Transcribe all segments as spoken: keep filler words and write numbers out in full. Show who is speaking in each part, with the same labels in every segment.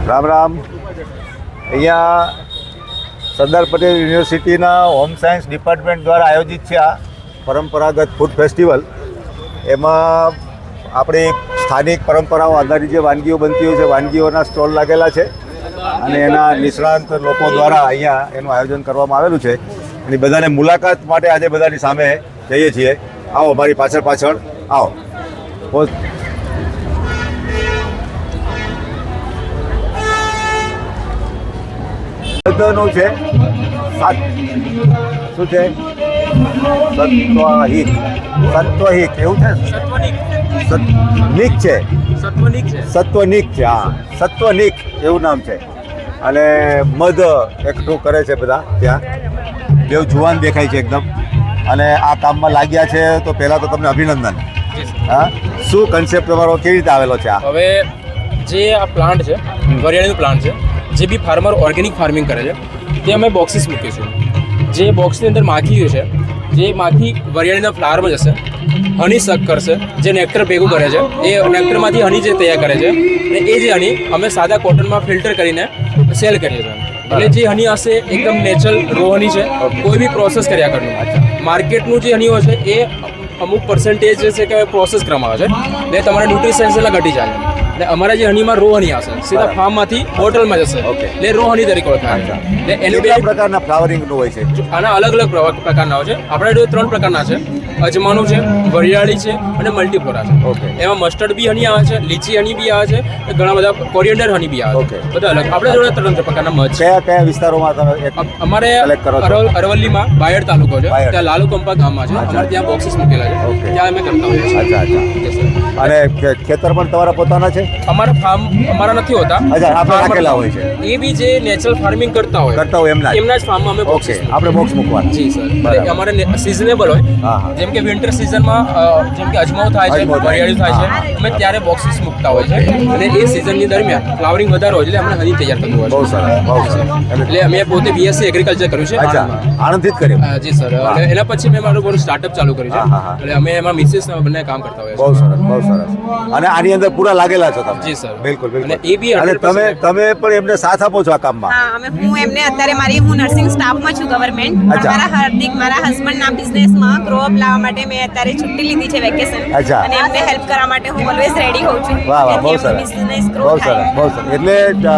Speaker 1: રામ રામ. અહીંયા સરદાર પટેલ યુનિવર્સિટીના home science department દ્વારા આયોજિત છે આ પરંપરાગત ફૂડ ફેસ્ટિવલ. એમાં આપણી સ્થાનિક પરંપરાઓ આધારિત જે વાનગીઓ બનતી હોય છે, વાનગીઓના સ્ટોલ લાગેલા છે અને એના નિષ્ણાંત લોકો દ્વારા અહીંયા એનું આયોજન કરવામાં આવેલું છે. અને બધાને મુલાકાત માટે આજે બધાની સામે જઈએ છીએ. આવો, મારી પાછળ પાછળ આવો. નું છે સાત શું છે સત્વહિક સત્વહિક એવું છે સત્વનિક છે સત્વનિક છે હા સત્વનિક એવું નામ છે. અને મધ એકઠું કરે છે બધા ત્યાં. બેવ જુવાન દેખાય છે એકદમ અને આ કામમાં લાગ્યા છે. તો પહેલાં તો તમને અભિનંદન. હા, શું કન્સેપ્ટ તમારો કેવી રીતે આવેલો છે? આ
Speaker 2: હવે જે આ પ્લાન્ટ છે, વરિયાળીનું પ્લાન્ટ છે, જે બી ફાર્મર ઓર્ગેનિક ફાર્મિંગ કરે છે તે અમે બોક્સીસ મૂકીશું. જે બોક્સની અંદર માખીઓ છે, જે માખી વરિયાળીના ફ્લાવરમાં જશે, હની સક કરશે, જે નેક્ટર ભેગું કરે છે, એ નેક્ટરમાંથી હની જે તૈયાર કરે છે અને એ જે હની અમે સાદા કોટનમાં ફિલ્ટર કરીને સેલ કરીએ છીએ. એટલે જે હની હશે એકદમ નેચરલ રો હની છે, કોઈ બી પ્રોસેસ કર્યા કરનું. માર્કેટનું જે હની હોય છે એ અમુક પર્સન્ટેજ જે છે કે પ્રોસેસ કરવામાં આવે છે એટલે તમારા ન્યુટ્રિશન્સ એલા ઘટી જાય. એટલે અમારા જે હનીમાં રો હની આવશે સીધા ફાર્મમાંથી બોટલમાં જશે એટલે રો હની તરીકે ઓળખાય. એટલે એનું બે
Speaker 1: પ્રકારના ફ્લાવરિંગનું હોય છે.
Speaker 2: આના અલગ અલગ પ્રકારના હોય છે. આપણે જો ત્રણ પ્રકારના છે, અજમાનું છે, વરિયાળી છે અને મલ્ટીફ્લોરા છે. એમાં મસ્ટર્ડ બી હની આવે છે, લીચી હની બી આવે છે, ઘણા બધા કોરિયન્ડર હની બી આવે છે. બધા અલગ આપણે જોડે ત્રણ પ્રકારના મધ છે.
Speaker 1: કયા કયા વિસ્તારોમાં તમે
Speaker 2: અમારે અરવલ્લીમાં બાયડ તાલુકો છે, ત્યાં લાલુ કંપા ગામમાં છે. અમારે ત્યાં બોક્સીસ મૂકેલા છે, ત્યાં અમે કરતા હોઈએ છીએ.
Speaker 1: અચ્છા અચ્છા. અને ખેતર પણ તમારા પોતાના છે?
Speaker 2: અમારા ફાર્મ અમારા નથી હોતા.
Speaker 1: અચ્છા, આપણે રાખેલા હોય છે.
Speaker 2: એ બી જે નેચરલ ફાર્મિંગ કરતા હોય
Speaker 1: કરતા હોય એમના
Speaker 2: એમના જ ફાર્મમાં અમે
Speaker 1: ઓકે આપણે બોક્સ મૂકવાના.
Speaker 2: જી સર. અમારે સિઝનેબલ હોય. જેમ કે વિન્ટર સિઝનમાં જેમ કે અજમાવ થાય છે, વરિયાળી થાય છે, અમે ત્યારે બોક્સીસ મૂકતા હોય છે. અને એ સિઝનની દરમિયાન ફ્લાવરિંગ વધારે હોય એટલે આપણે હની તૈયાર થતું હોય છે.
Speaker 1: બહુ સરસ, બહુ સરસ.
Speaker 2: એટલે અમે પોતે બીએસસી એગ્રીકલ્ચર કર્યું છે.
Speaker 1: અચ્છા, આણંદથી જ કર્યું?
Speaker 2: જી સર. એટલે એના પછી મેં મારું બધું સ્ટાર્ટઅપ ચાલુ કર્યું છે. એટલે અમે એમાં મિસિસ બંને કામ કરતા હોય છે.
Speaker 1: બહુ સરસ, બહુ સરસ. અને આની અંદર પૂરા લાગેલા છો તમે?
Speaker 2: જી સર.
Speaker 1: બિલકુલ બિલકુલ.
Speaker 2: અને એ બી
Speaker 1: અને તમે તમે પણ એમને સાથ આપો છો આ કામમાં?
Speaker 3: હા, અમે હું એમને અત્યારે મારી હું નર્સિંગ સ્ટાફમાં છું ગવર્મેન્ટ. મારા હાર્દિક મારા હસબન્ડના બિઝનેસમાં ગ્રો અપ લાવવા માટે મેં અત્યારે છુટ્ટી લીધી છે, વેકેશન.
Speaker 1: અચ્છા.
Speaker 3: અને એમને હેલ્પ કરવા માટે હું ઓલવેઝ રેડી હોઉં છું.
Speaker 1: વાહ વાહ, બહુ સરસ,
Speaker 3: બિઝનેસ ગ્રો
Speaker 1: બહુ સરસ, બહુ સરસ. એટલે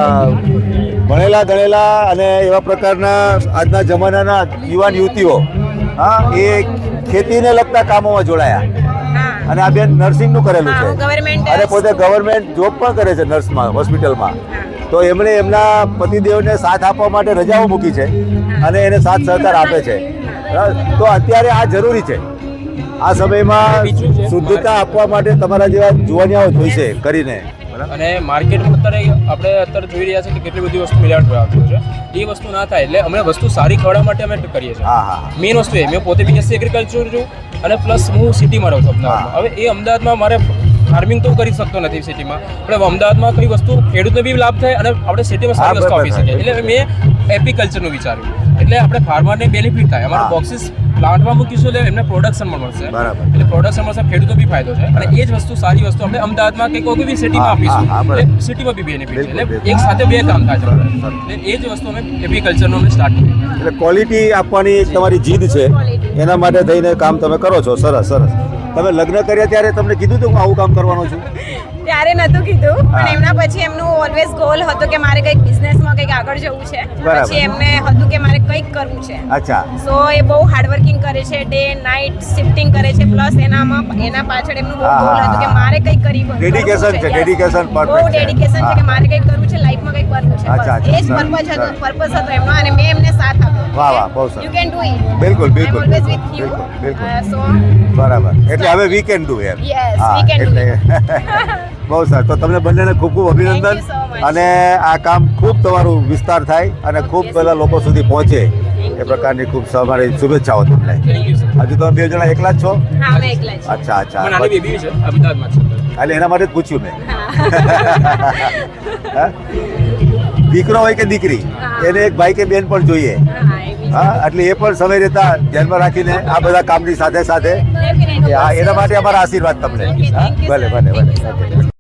Speaker 1: ભણેલા ગણેલા અને એવા પ્રકારના આજના જમાનાના યુવાન યુવતીઓ હા એ ખેતીને લગતા કામોમાં જોડાયા. અને આ બેન નર્સિંગનું કરેલું છે અને પોતે ગવર્મેન્ટ જોબ પણ કરે છે નર્સમાં, હોસ્પિટલમાં. તો એમણે એમના પતિદેવને સાથ આપવા માટે રજાઓ મૂકી છે અને એને સાથ સહકાર આપે છે. તો અત્યારે આ જરૂરી છે. આ સમયમાં શુદ્ધતા આપવા માટે તમારા જેવા જુવાનિયાઓ જોઈશે કરીને.
Speaker 2: અને માર્કેટમાં અત્યારે આપણે અત્યારે જોઈ રહ્યા છે કે કેટલી બધી વસ્તુ મિલાવટ આવતી છે. એ વસ્તુ ના થાય એટલે અમે વસ્તુ સારી ખવડાવવા માટે અમે કરીએ છીએ.
Speaker 1: હા હા.
Speaker 2: મેઇન વસ્તુ એ મેં પોતે બીએસસી એગ્રીકલ્ચર છું અને પ્લસ હું સિટીમાં રહું છું અમદાવાદમાં. હવે એ અમદાવાદમાં મારે ફાર્મિંગ તો કરી શકતો નથી સિટીમાં. આપણે અમદાવાદમાં કઈ વસ્તુ ખેડૂતને બી લાભ થાય અને આપણે સિટીમાં સારી વસ્તુ આપી શકીએ. એટલે મેં એપીકલ્ચરનું વિચાર્યું એટલે આપણે ફાર્મરને બેનિફિટ થાય. અમારા બોક્સીસ પ્લાન્ટમાં મૂકીશું એટલે એમને પ્રોડક્શન પણ મળશે. એટલે પ્રોડક્શન મળશે, ખેડૂતો બી ફાયદો છે. અને એ જ વસ્તુ સારી વસ્તુ આપણે અમદાવાદમાં કે કોઈ બી સિટીમાં આપીશું એટલે સિટીમાં બી બેનિફિટ છે. એટલે એક સાથે બે કામ થાય છે. એટલે એ જ વસ્તુ અમે એપીકલ્ચરનું અમે સ્ટાર્ટ કર્યું.
Speaker 1: એટલે ક્વોલિટી આપવાની એક તમારી જીદ છે, એના માટે થઈને કામ તમે કરો છો. સરસ સરસ. તમે લગ્ન કર્યા ત્યારે તમને કીધું હતું હું આવું કામ કરવાનો છું?
Speaker 3: ત્યારે નતું કીધું, પણ એમના પછી એમનું ઓલવેઝ ગોલ હતો કે મારે કંઈક બિઝનેસમાં કંઈક આગળ જવું છે. પછી એમને હતું કે મારે કંઈક કરવું છે.
Speaker 1: અચ્છા.
Speaker 3: સો એ બહુ હાર્ડવર્કિંગ કરે છે, ડે નાઇટ શિફ્ટિંગ કરે છે. પ્લસ એનામાં એના પાછળ એમનું બહુ ગોલ હતું કે મારે કંઈક કરી
Speaker 1: ડેડિકેશન છે. ડેડિકેશન
Speaker 3: બહુ ડેડિકેશન છે કે મારે કંઈક કરવું છે, લાઈફમાં કંઈક કરવું છે. એ જ પર્પઝ હતો પર્પઝ હતો એમનો અને મેં એમને સાથ આપ્યો.
Speaker 1: વાહ વાહ, બહુ સરસ.
Speaker 3: You can do it.
Speaker 1: બિલકુલ બિલકલ
Speaker 3: ઓલવેઝ વિથ યુ.
Speaker 1: બિલકુલ
Speaker 3: સો
Speaker 1: બરાબર. એટલે હવે વી કેન ડુ એમ.
Speaker 3: Yes, we can do.
Speaker 1: બહુ સરસ. તો તમને બંનેને ખૂબ ખૂબ અભિનંદન. અને આ કામ ખૂબ તમારું વિસ્તાર થાય અને ખૂબ બધા લોકો સુધી પહોંચે એ પ્રકારની ખૂબ અમારી શુભેચ્છાઓ તમને. હજુ તમે બે જણા એકલા જ છો?
Speaker 3: હા, અમે એકલા જ.
Speaker 1: અચ્છા અચ્છા.
Speaker 2: નાની બેબી છે અમદાવાદમાં છે.
Speaker 1: એટલે એના માટે જ પૂછ્યું મેં. દીકરો હોય કે દીકરી, એને એક ભાઈ કે બેન પણ જોઈએ. હા, એટલે એ પણ સમય રહેતા ધ્યાનમાં રાખીને આ બધા કામની સાથે સાથે એના માટે અમારા આશીર્વાદ તમને. ભલે ભલે ભલે.